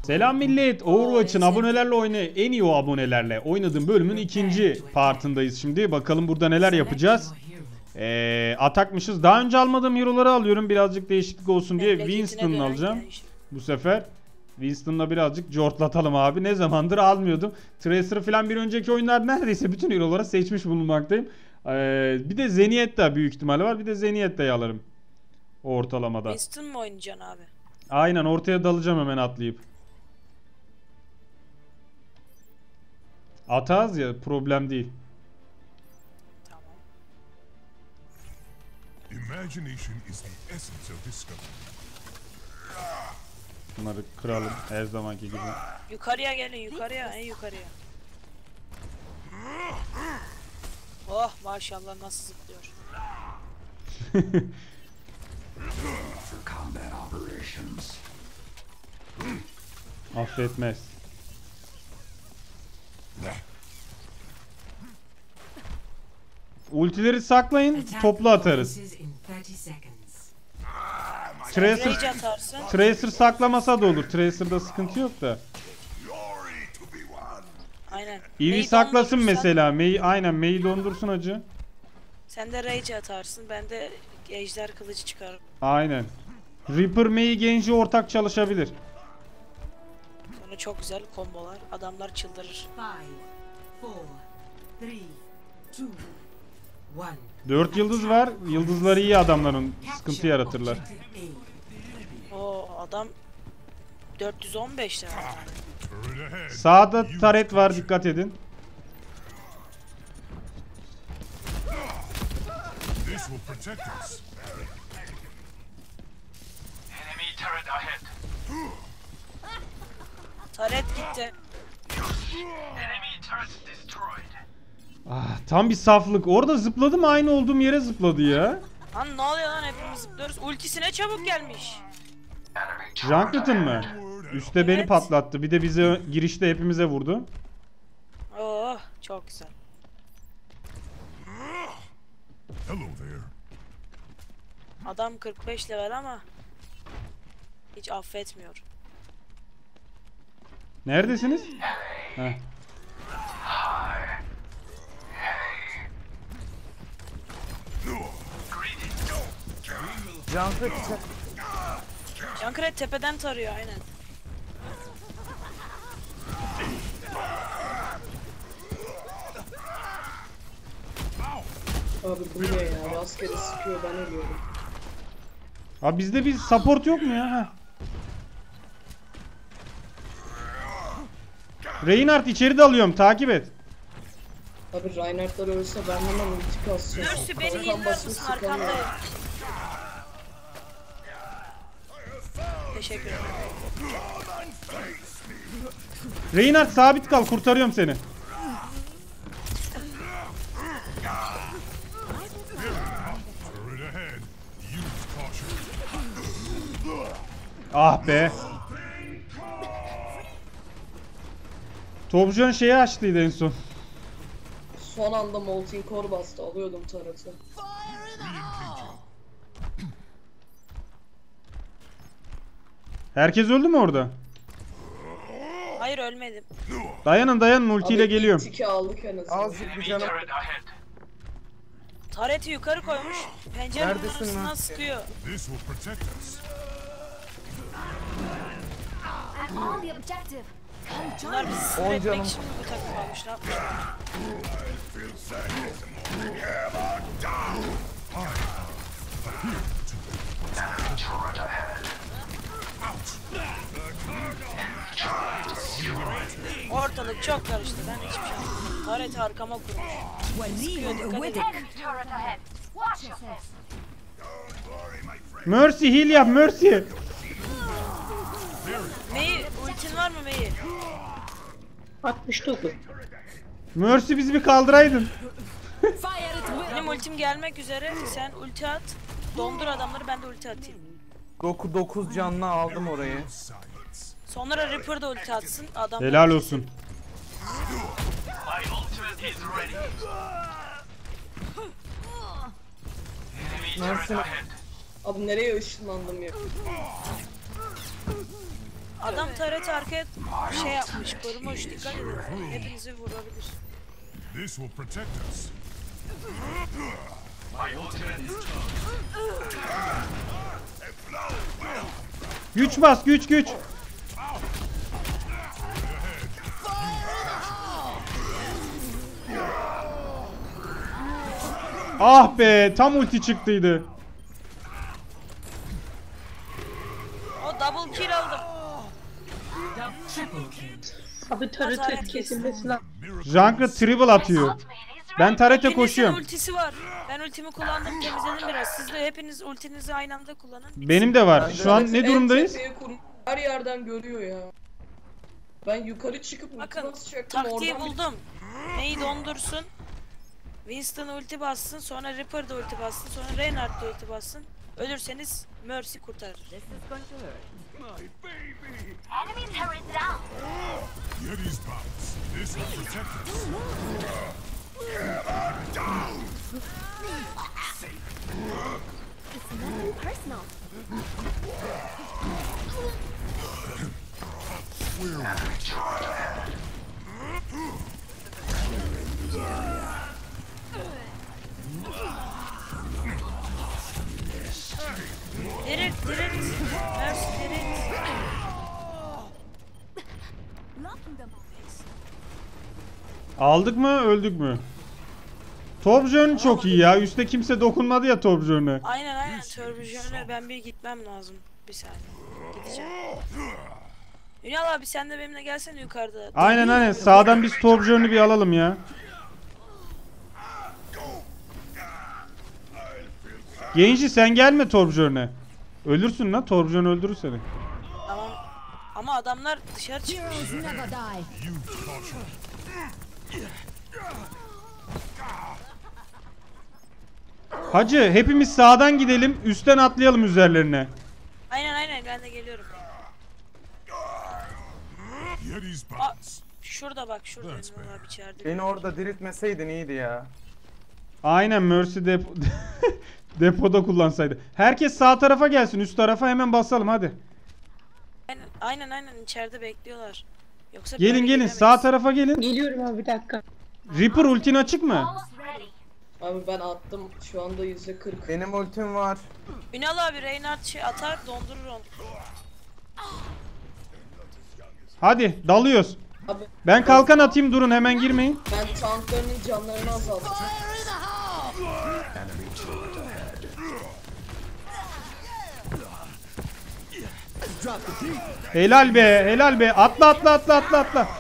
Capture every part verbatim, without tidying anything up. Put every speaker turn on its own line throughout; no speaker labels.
Selam millet. Overwatch'ın abonelerle oyna en iyi o abonelerle oynadığım bölümün ikinci partındayız şimdi. Bakalım burada neler yapacağız. Ee, atakmışız. Daha önce almadığım hero'ları alıyorum. Birazcık değişiklik olsun diye Winston'ı alacağım. Bu sefer Winston'la birazcık cortlatalım abi. Ne zamandır almıyordum. Tracer'ı falan bir önceki oyunlarda neredeyse bütün hero'ları seçmiş bulunmaktayım. Ee, bir de Zenyatta büyük ihtimalle var. Bir de Zenyatta'yı alırım. Ortalamada.
Winston mı oynayacaksın abi?
Aynen, ortaya dalacağım hemen atlayıp. Atağız ya, problem değil.
Tamam.
Imagination is the essence of discovery.
Bunları kıralım her zamanki gibi.
Yukarıya gelin, yukarıya, en yukarıya. Oh maşallah nasıl zıplıyor.
Affetmez. Ultileri saklayın, toplu atarız. Tracer,
Rage atarsın.
Tracer saklamasa da olur. Tracer'da sıkıntı yok da.
Aynen.
Eevee
May'i
saklasın
dondurursan-
mesela. May'i, aynen May'i dondursun acı.
Sen de Rage atarsın, ben de ejder kılıcı çıkarım.
Aynen. Reaper May'i Genji ortak çalışabilir.
Sonra çok güzel kombolar. Adamlar çıldırır.
Dört yıldız var. Yıldızları iyi adamların. Sıkıntı yaratırlar.
O adam dört yüz on beş lira.
Sağda taret var, dikkat edin.
This will protect us.
Enemy turret ahead.
Taret gitti.
Enemy turret destroyed.
Ah, tam bir saflık. Orada zıpladım, aynı olduğum yere zıpladı ya.
Lan ne oluyor lan, hepimiz zıplıyoruz. Ultisine çabuk gelmiş.
Enemy turret
Junkrat'ın mı? Üste beni
Evet.
patlattı. Bir de bize girişte hepimize vurdu.
Oh çok güzel.
Hello there.
Adam kırk beş level ama hiç affetmiyor.
Neredesiniz? Heh.
Junkrat tepeden tarıyor aynen.
Abi bu ne ya? Rastgele sıkıyor, ben ölüyorum.
Abi bizde bir support yok mu ya? Heh. Reinhardt içeri dalıyorum, takip et.
Abi Reinhardt'lar ölse ben hemen ulti kasacağım.
Mercy beni
Kalkan
healer
basıp
mısın,
sıkamıyorum.
arkandayım. Teşekkür ederim.
Reinhardt sabit kal, kurtarıyorum seni.
Turret ahead. Use caution.
Ah be. Topcan şeyi açtıydı en son.
Son anda Molten Core bastı, alıyordum taratı.
Herkes öldü mü orada?
Hayır ölmedim.
Dayanın dayanın, ultiyle
Abi
geliyorum.
ilk iki aldık en azından.
Azıcık bir
Enemy
canım.
turret ahead.
Tareti yukarı koymuş. Pencerenin
Neredesin
arasından
lan?
sıkıyor.
This will protect us.
I'm on the objective.
Bunlar bizi sinir
On
etmek
canım.
için bu takım almış. Ne yapmışlar?
Turret ahead.
Ortalık çok karıştı. Ben hiçbir şey anlamadım. Tareti arkama kurmuş. Sıkıyor, dikkat edin.
Enemy turret ahead. Watch yourself.
Mercy heal yap, Mercy.
Mei, ultin var mı Mei?
altmış dokuz.
Mercy bizi bir kaldıraydın.
Benim ultim gelmek üzere. Sen ulti at. Dondur adamları, ben de ulti atayım.
dokuz canlı aldım orayı.
Sonra Reaper da ulti atsın. Adam
Helal olsun.
My ultimate is ready. Enemy turret
Nasıl?
ahead.
Abi nereye ışınlandım ya?
Adam taret arkaya şey yapmış, korumuş. Dikkat edin. Hepinizi vurabilir.
This will protect us.
Güç bas, güç güç. Ah be, tam ulti çıktıydı.
O double kill aldım.
Abi
Taret kesilmesi lazım.
Junkrat triple atıyor. Ben Taret'e
Hepinizin
koşuyorum.
ultisi var. Ben ultimi kullandım, temizledim biraz. Siz de hepiniz ultinizi aynı anda kullanın.
Benim de var. Şu an ne durumdayız?
En tepeye kur- Her yerden görüyor ya. Ben yukarı çıkıp ulti
Bakın,
basacaktım
taktiği
oradan bir-
buldum. Neyi dondursun? Winston ulti bassın, sonra Reaper da ulti bassın, sonra Reinhardt da ulti bassın. Ölürseniz Mercy kurtarır.
Enemy turret down.
Yeti's bounce. This will protect us.
It's nothing personal.
Dirit, dirit. Mercy dirit.
Locking them.
Aldık mı, öldük mü? Torbjörn çok iyi ya. Üste kimse dokunmadı ya Torbjörn'e.
Aynen aynen. Turbojör'e ben bir gitmem lazım. Bir saniye. Gideceğim. Ünal abi sen de benimle gelsene yukarıda.
Aynen aynen. Sağdan biz Torbjörn'ü bir alalım ya. Genci sen gelme Torbjörn'e. Ölürsün lan. Torbjörn öldürür seni.
Tamam. Ama adamlar dışarı çıkmış.
Heroes never die.
Use caution.
Hacı hepimiz sağdan gidelim. Üstten atlayalım üzerlerine.
Aynen aynen ben de geliyorum.
Yeti's
Aa,
bounce.
şurada bak şurada
That's
Ünal abi içeride.
Beni orada diriltmeseydin iyiydi ya.
Aynen Mercy depo depoda kullansaydı. Herkes sağ tarafa gelsin. Üst tarafa hemen basalım hadi.
Aynen aynen, aynen içeride bekliyorlar. Yoksa
Gelin
böyle
gelin
giremeyiz.
sağ tarafa gelin.
Geliyorum abi bir dakika.
Reaper ultin açık mı?
Almost ready.
Abi ben attım şu anda yüzde kırk.
Benim ultim var.
Ünal abi Reinhardt şey atar dondurur onu.
Hadi dalıyoruz.
Abi
Ben kalkan atayım durun hemen girmeyin.
ben tanklarının canlarını azalttım.
Helal be helal be. Atla atla atla atla atla.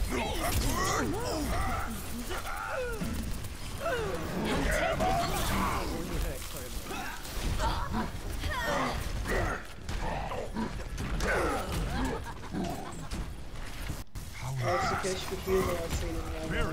Artık keşke bir yıl verseydim ya.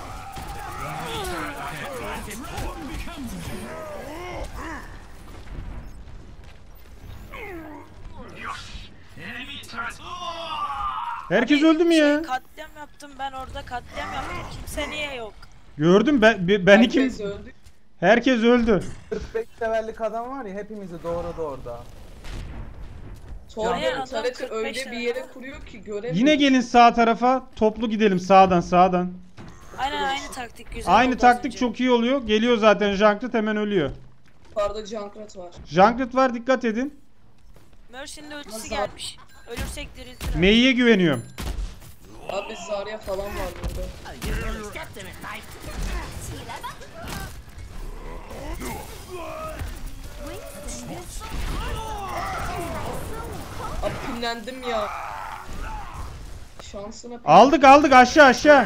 Enemy turret.
Herkes öldü mü ya?
Şey, katliam yaptım ben orada katliam yaptım. Kimse niye yok?
Gördüm ben ben kim?
Herkes öldü.
Herkes öldü.
kırk beş levellik adam var ya hepimizi doğradı orada.
Torba
Aynen, adam
tareti
kırk
öyle
beş
bir
lira.
yere kuruyor ki göremiyor.
Yine gelin sağ tarafa. Toplu gidelim sağdan sağdan.
Aynen aynı taktik güzel
Aynı
oldu az
taktik
önce.
çok iyi oluyor. Geliyor zaten Junkrat hemen ölüyor.
Yukarıda Junkrat var.
Junkrat var dikkat edin.
Mercy'nin de ultisi
Nasıl?
gelmiş. Ölürsek diriltir.
Mei'ye güveniyorum.
Abi Zarya falan var burada. Abi pinlendim ya. Şansına pin-
Aldık aldık aşağı aşağı.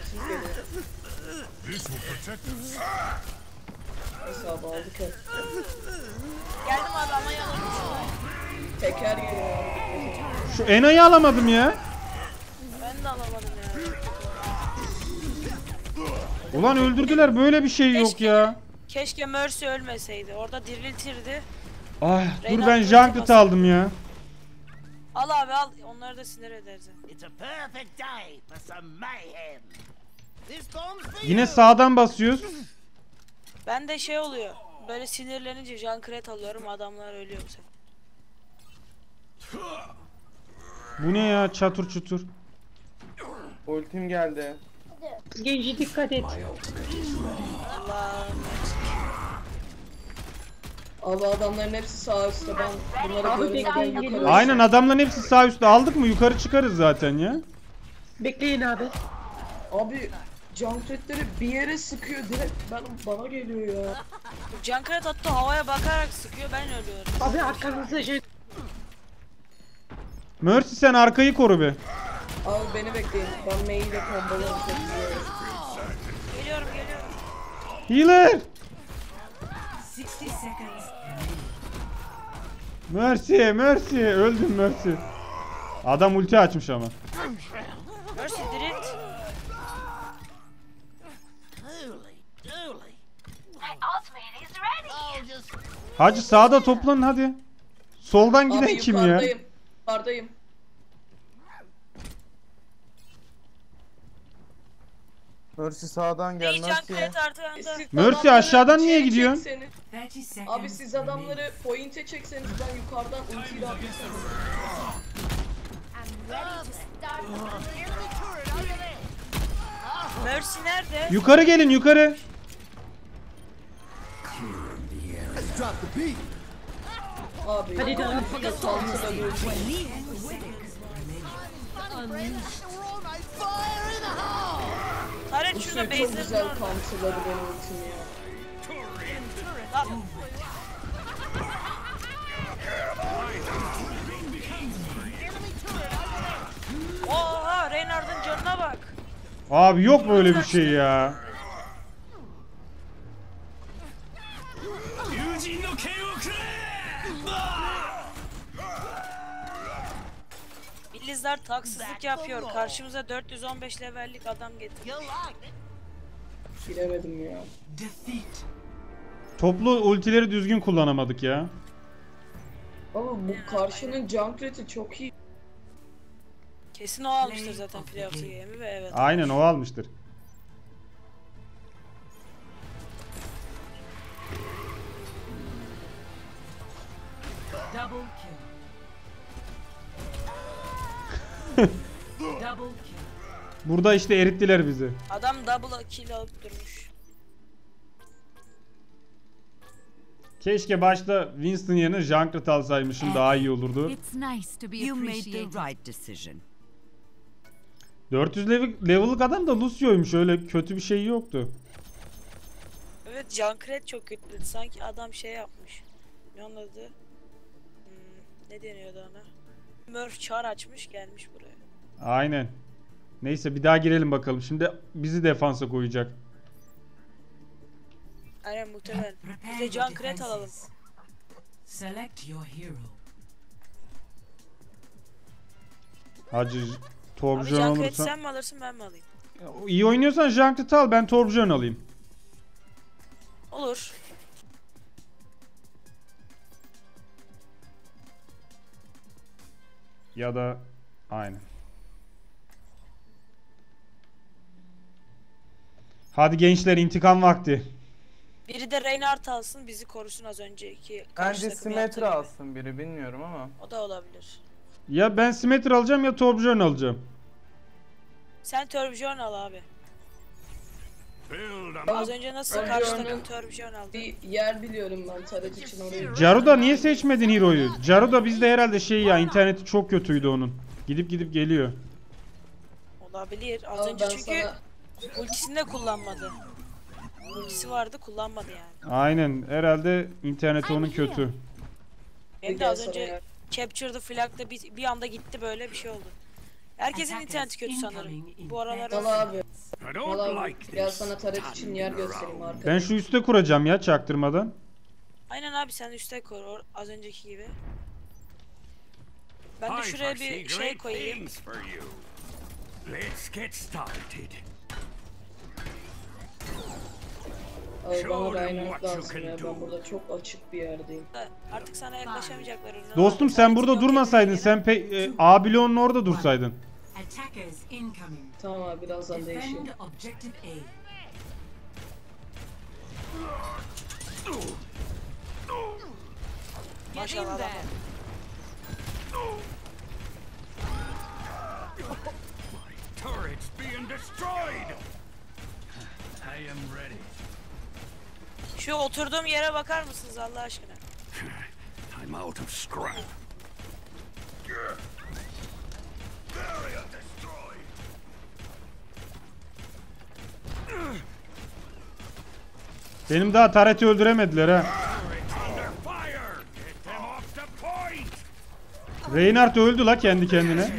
This will protect us.
Hesabı aldık hep.
Geldim abi ama yanıldım.
Teker geliyor abi.
Şu Ena'yı alamadım ya.
Ben de alamadım ya.
Ulan öldürdüler böyle bir şey yok
Keşke-
ya.
Keşke Mercy ölmeseydi. Orada diriltirdi.
Ay dur
Reyna
ben
ulti
Junkrat'ı
basın.
aldım ya.
Al abi al. Onları da sinir ederiz.
It's a perfect day for some mayhem. This bomb's for
Yine
you.
sağdan basıyoruz.
Ben de şey oluyor. Böyle sinirlenince Junkrat alıyorum. Adamlar ölüyor bu sefer.
Bu ne ya, çatır çutur.
Ultim geldi.
Genci dikkat et.
Allah'ım.
Abi adamların hepsi sağ üstte. Ben bunları
Abi
görmeden
bekleyin,
yukarı.
geliyor.
Aynen, adamların hepsi sağ üstte. Aldık mı yukarı çıkarız zaten ya.
Bekleyin abi.
Abi Junkrat'ları bir yere sıkıyor direkt ben bana geliyor ya.
Junkrat hatta havaya bakarak sıkıyor, ben ölüyorum.
Abi arkanızda şey...
Mercy sen arkayı koru be.
Abi beni bekleyin. Ben mail ile kombolarım çok güzel.
Geliyorum geliyorum.
Healer. Mercy, Mercy. Öldüm Mercy. Adam ulti açmış ama.
Mercy direkt.
Holy dooly.
My ultimate is ready.
I'll just
Hacı sağda toplanın hadi. Soldan giden
Abi
kim ya?
yukarıdayım. Yukarıdayım.
Mercy sağdan gel
Hey
Mercy.
Junkrat arkanda.
Siz
Mercy,
adamları
aşağıdan niye
şeye
gidiyorsun?
çekseniz- Abi siz adamları point'e çekseniz ben yukarıdan ultiyle atlasam.
I'm ready to start.
enemy turret over there.
Mercy nerede?
Yukarı gelin yukarı.
Abi
Hadi de abi.
saltıda bir ulti.
Throw my fire in the hole.
Taret
Bu
şurada
şey çok
base'lerin
güzel
orada.
counterladı benim ultimi ya.
Lan. Oha, Reynard'ın canına bak.
Abi yok böyle bir şey ya.
İllizler taksızlık yapıyor. Karşımıza dört yüz on beş levellik adam getirdi.
You like it?
Bilemedim ya.
Toplu ultileri düzgün kullanamadık ya.
Ama bu karşının Junkrat'ı çok iyi.
Kesin o almıştır zaten playoff game'i ve evet.
Aynen o almıştır. Burada işte erittiler bizi.
Adam double kill alıp durmuş.
Keşke başta Winston yerine Junkrat alsaymışım, daha iyi olurdu.
It's nice to be
You made the
appreciated.
right decision.
dört yüz level, level'lık adam da Lucio'ymuş, öyle kötü bir şey yoktu.
Evet, Junkrat çok kötü. Sanki adam şey yapmış. Ne onun adı? Hmm, ne deniyordu ona? Murph çar açmış gelmiş buraya.
Aynen. Neyse bir daha girelim bakalım. Şimdi bizi defansa koyacak.
Aynen muhtemelen. Biz de Junkrat alalım.
Select your hero.
Hacı
Abi
Torbjörn
Junkrat
olursa.
sen mi alırsın ben mi alayım?
İyi oynuyorsan Junkrat'ı al, ben Torbjörn alayım.
Olur.
Ya da aynen. Hadi gençler, intikam vakti.
Biri de Reinhardt alsın, bizi korusun az önceki karşı
Bence
takım yaptığı
Symmetra
gibi.
alsın biri, bilmiyorum ama.
O da olabilir.
Ya ben Symmetra alacağım ya Torbjörn alacağım.
Sen Torbjörn al abi.
Build 'em
Az
up.
önce nasıl
Torbjörn'ün
karşı takım Torbjörn aldı?
Bir yer biliyorum ben taret için orayı.
Jaruda niye seçmedin Hero'yu? Jaruda bizde herhalde şey ya, interneti çok kötüydü onun. Gidip gidip geliyor.
Olabilir. Az
Abi
önce
ben
çünkü
sana
ultisini de kullanmadı. Ultisi vardı, kullanmadı yani.
Aynen, herhalde interneti onun kötü.
Benim de
gel
az
sana
önce
ya.
Capture the Flag'da bir, bir anda gitti, böyle bir şey oldu. Herkesin interneti kötü sanırım. Bu aralar
Valla abi.
I don't
Valla
like
gel
this.
sana taret için yer göstereyim arkadaşlar.
Ben şu üste kuracağım ya, çaktırmadan.
Aynen abi, sen üste koy or- az önceki gibi. Ben de
I
şuraya
foresee
bir şey
great
koyayım.
things for you. Let's get started.
Abi bana
Show them
Reinhardt
what you
lazım
can
ya.
do.
Ben burada çok açık bir yerdeyim.
Artık sana yaklaşamayacaklar. ürünler.
Dostum sen burada
Yok
durmasaydın,
edildi
sen pe- e, A bloğunun orada dursaydın.
Attackers incoming.
Tamam abi birazdan değişeyim.
Defend objective A.
Maşallah adam.
destroyed.
I am ready.
Şu oturduğum yere bakar mısınız Allah aşkına?
I'm out of scrap. Barrier destroyed.
Benim daha Taret'i öldüremediler ha.
Under fire. Get them off the point.
Reinhardt öldü la kendi kendine.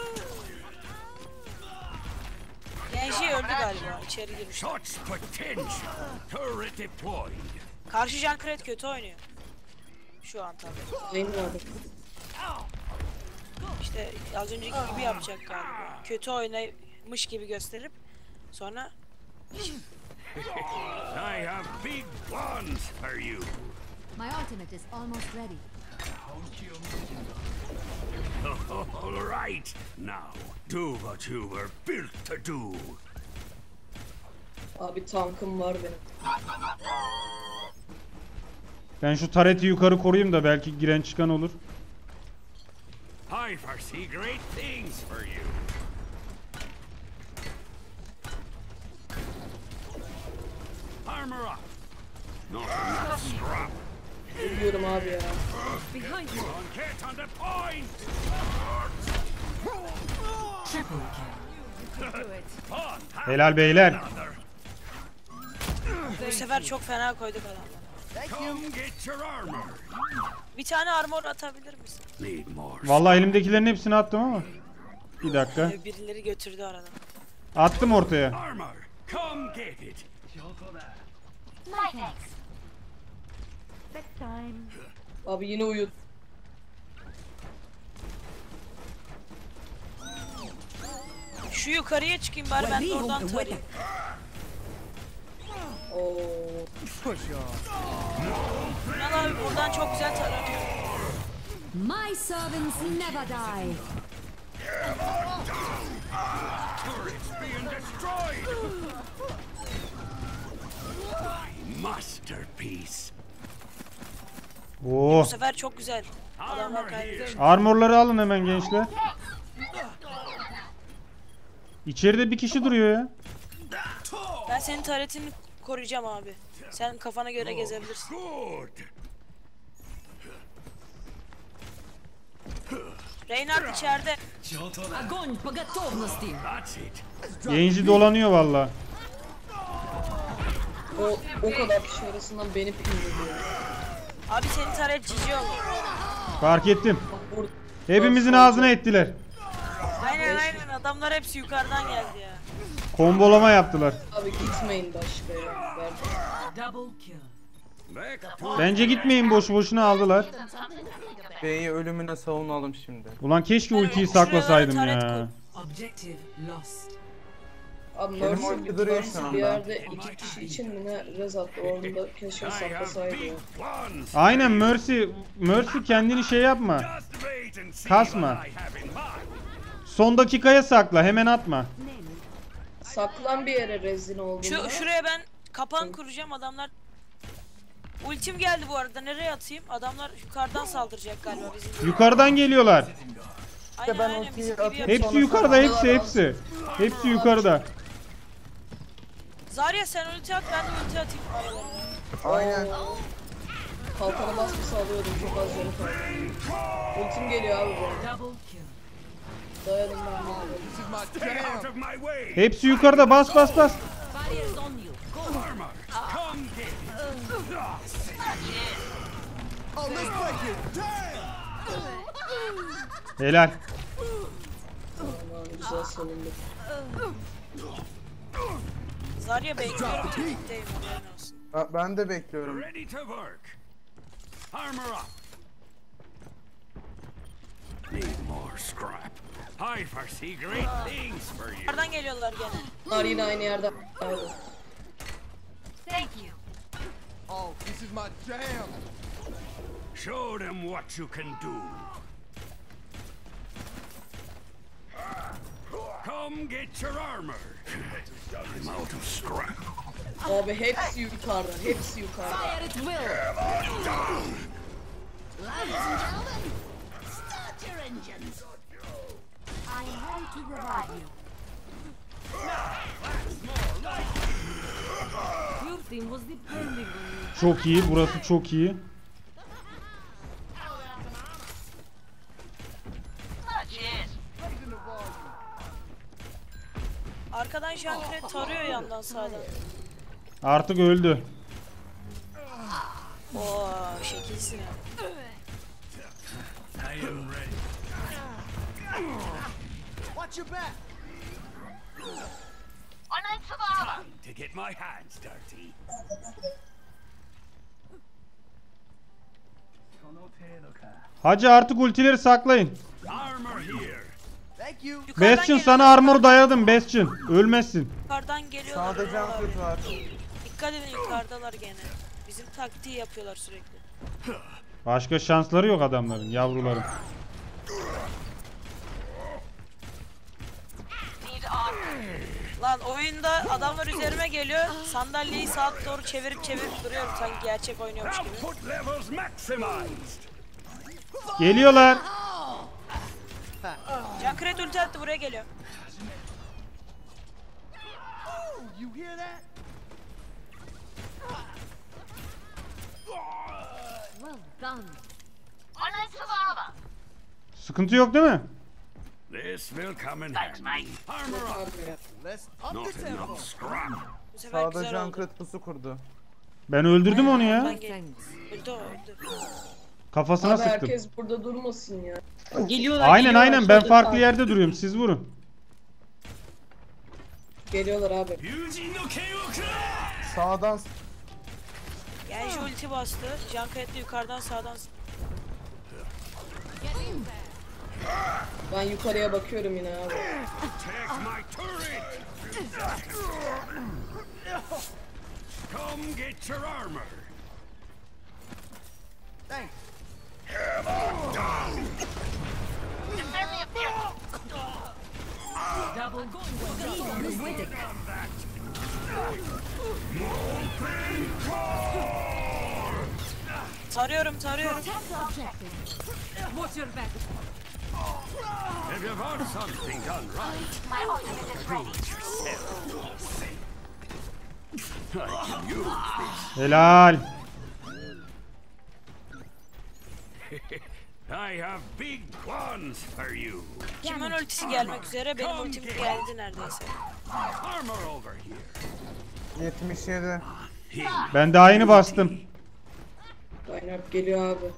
Genji öldü galiba. İçeri girmiş.
Such potential. Turret deployed.
Karşı Junkrat kötü oynuyor. Şu an tabii.
Benim vardı.
İşte az önceki gibi yapacak galiba. Kötü oynamış gibi gösterip sonra
I have big plans for you.
My ultimate is almost ready.
All right. Now, do what you were built to do.
Abi tankım var benim.
Ben şu Taret'i yukarı koruyayım da belki giren çıkan olur.
I foresee great things for you. Armor up. Not enough scrap.
Ölüyorum abi ya.
Behind you.
Get on the point.
Triple kill.
On,
Helal beyler.
another.
bu sefer çok fena koyduk adamları.
Come get your armor.
Bir tane armor atabilir misin?
Need more.
Vallahi elimdekilerin hepsini attım ama. Bir dakika.
Ee, Birileri götürdü aradan.
Attım ortaya.
Armor. Come get it.
My thanks. Bedtime.
Abi yine uyut.
Şu yukarıya çıkayım bari ben de oradan tarayayım.
Oo.
Ünal abi buradan çok güzel taranıyor.
My servants never die.
Turrets being destroyed. My masterpiece.
Oo.
Bu sefer çok güzel. Adamlar
Armor here.
kaybediyor.
Armorları alın hemen gençler. İçeride bir kişi duruyor ya.
Ben senin taretini koruyacağım abi. Sen kafana göre gezebilirsin.
Good.
Reinhardt içeride.
Огонь по готовности.
That's it.
Genci dolanıyor valla.
O, o kadar kişi arasından beni pinledi ya.
Abi senin taret cici oldu.
Fark ettim.
Bak burada.
Hepimizin ağzına ettiler.
Aynen aynen adamlar hepsi yukarıdan geldi ya.
Kombolama yaptılar.
Abi gitmeyin başka ya. Ver.
Double kill.
Back to
Bence gitmeyin, boşu boşuna aldılar.
B'yi ölümüne savunalım şimdi.
Ulan keşke ultiyi saklasaydım ya.
Objective lost.
Abi
Benim
Mercy,
ulti duruyor şu
Mercy
anda.
bir yerde iki kişi için mi ne rez attı. Orada keşke
I have
saklasaydı ya.
big plans.
Aynen Mercy. Mercy kendini şey yapma.
Just wait and see
Kasma.
what I have in mind.
Son dakikaya sakla, hemen atma.
Saklan bir yere rezin olduğunda.
Şu şuraya ben kapan kuracağım adamlar. Ultim geldi bu arada. Nereye atayım? Adamlar yukarıdan saldıracak galiba bizim.
Yukarıdan geliyorlar.
Aynen
ben
aynen
ultiyi
bizim gibi
atayım.
yapıyor.
Hepsi yukarıda, hepsi hepsi. Hepsi yukarıda.
Zarya sen ulti at ben de ulti atayım aralarına.
Aynen.
Kalkana basması alıyordum, çok az canı kaldı. Ultim geliyor abi bu.
Double kill.
Dayanın ben bunu.
Stay out of my way.
Hepsi yukarıda, bas bas bas.
Barriers on you. Go.
Armor. Come get it.
Helal.
Aman güzel savunduk.
Zarya bekliyorum tetikteyim haberin olsun.
Ha, ben de bekliyorum.
Ready to work. Armor up. Need more scrap. I foresee great things for you.
Yukarıdan geliyorlar gene.
Bunlar yine aynı yerde. Abi.
Thank you.
Show them what you can do. Come get your armor. I'm out of scrap.
Abi hepsi yukarıda, hepsi yukarıda.
Fire at will. Ladies and gentlemen, start your engines. I am ready to revive you.
çok iyi. Burası çok iyi.
Arkadan Junkrat tarıyor yandan sağdan.
Artık öldü.
Oo şekilsin ya.
I am ready.
Watch your back.
Time to get my hands dirty.
Hacı artık ultileri saklayın.
Armor here.
Thank you.
Yukarıdan
Bastion
geliyor,
sana armor dayadım Bastion. Ölmezsin.
Yukarıdan geliyorlar.
Sağda
oralar.
Junkrat var.
Dikkat edin yukarıdalar gene. Bizim taktiği yapıyorlar sürekli.
Başka şansları yok adamların, yavruların.
Lan oyunda adamlar üzerime geliyor. Sandalyeyi sağa doğru çevirip çevirip duruyorum sanki gerçek oynuyormuş gibi.
Output levels maximized.
Geliyorlar.
Junkrat ulti attı buraya geliyor.
You hear that?
Well done.
Sıkıntı yok değil mi?
This will come in handy. Armor up.
Let's up
Not
the tempo.
enough scrap.
Bu sefer
Sağda
güzel oldu.
Junkrat pusu kurdu.
Ben öldürdüm onu ya.
Ben geldim. Öldü o öldü.
Kafasına
Abi
sıktım.
herkes burada durmasın ya.
Geliyorlar.
Aynen
geliyorlar,
aynen ben
solda
farklı
sağ.
yerde duruyorum, siz vurun.
Geliyorlar abi.
Yuji no Keioku.
Sağdan
Genji ulti bastı. Junkrat de yukarıdan sağdan.
Ben yukarıya bakıyorum yine abi.
Take my turret. Come get your armor.
Thanks.
Double going.
Tarıyorum tarıyorum.
What's your back?
If you want something done right, I can use this.
Helal.
I have big plans for you.
Kimin ultisi gelmek üzere? Benim ultim geldi neredeyse.
Armor over here.
yetmiş yedi.
Ben daha yeni bastım.
Reinhardt geliyor abi.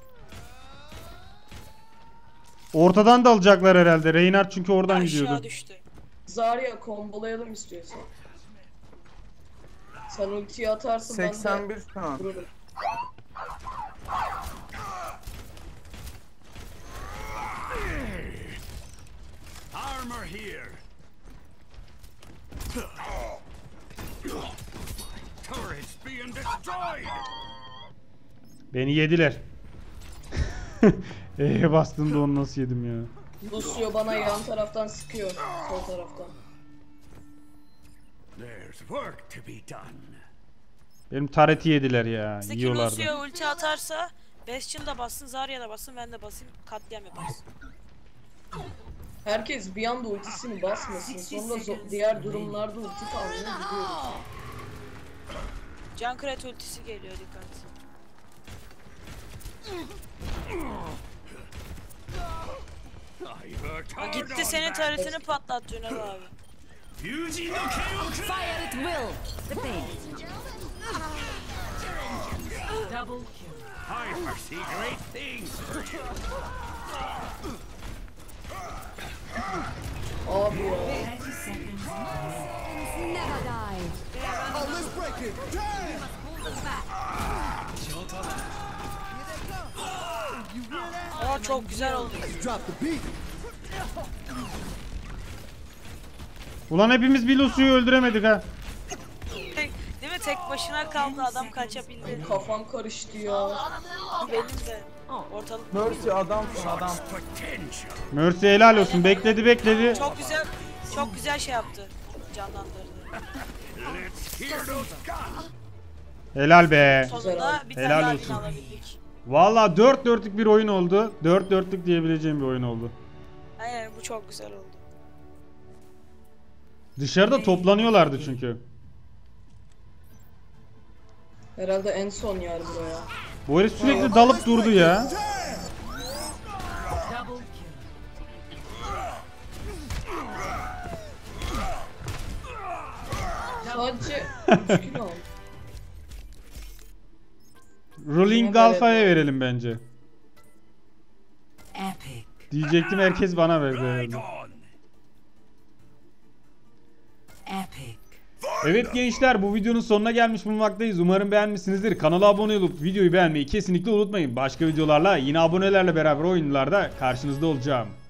Ortadan da alacaklar herhalde. Reinhardt çünkü oradan
Aşağı
gidiyordu.
düştü.
Zarya kombolayalım istiyorsan. Sen ultiyi atarsın ben
seksen
de
bir şu an.
vururum.
Armor here. Turrets being destroyed.
Beni yediler. Eee bastığında onu nasıl yedim ya.
Lucio bana yan taraftan sıkıyor. Sol taraftan.
There's work to be done.
Benim tareti yediler ya.
Bizdeki
Yiyorlardı.
Lucio ulti atarsa Bastion da bassın, Zarya da bassın, ben de basayım, katliam yaparız.
Herkes bir anda ultisini basmasın. Sonra zo- diğer durumlarda ulti kalmıyor gidiyoruz.
Junkrat ultisi geliyor, dikkat.
I worked
Ha,
hard
gitti
on
senin
that.
taretini patlattı Ünal abi.
Yuji no Keioku.
Fire at will. The base. Double kill.
I foresee great things for you.
Abi ya.
thirty seconds.
Never die.
Oh, let's break it. Damn! You hear that?
Aa çok güzel oldu.
Drop the beat.
Ulan hepimiz bir Lucio'yu öldüremedik ha.
Tek, değil mi? Tek başına kaldı, adam kaçabildi.
Kafam karıştı ya.
Benim de. Ortalık
Mercy adamsın adam.
Potential.
Mercy helal olsun. Bekledi bekledi.
çok güzel, çok güzel şey yaptı. Canlandırdı.
Let's hear those guns.
Helal be.
Sonunda bir tane
Helal
daha
olsun.
win alabildik.
Valla dört dörtlük bir oyun oldu. dört dörtlük diyebileceğim bir oyun oldu.
Aynen, bu çok güzel oldu.
Dışarıda toplanıyorlardı çünkü.
Herhalde en son yer buraya.
Bu herif sürekli dalıp durdu ya.
Double kill.
Sadece üç kilo aldım.
Rolling Alpha'ya verelim bence.
Epic.
Diyecektim, herkes bana verdi
Right
herhalde.
on.
Epic.
Evet gençler, bu videonun sonuna gelmiş bulunmaktayız. Umarım beğenmişsinizdir. Kanala abone olup videoyu beğenmeyi kesinlikle unutmayın. Başka videolarla yine abonelerle beraber oyunlarda karşınızda olacağım.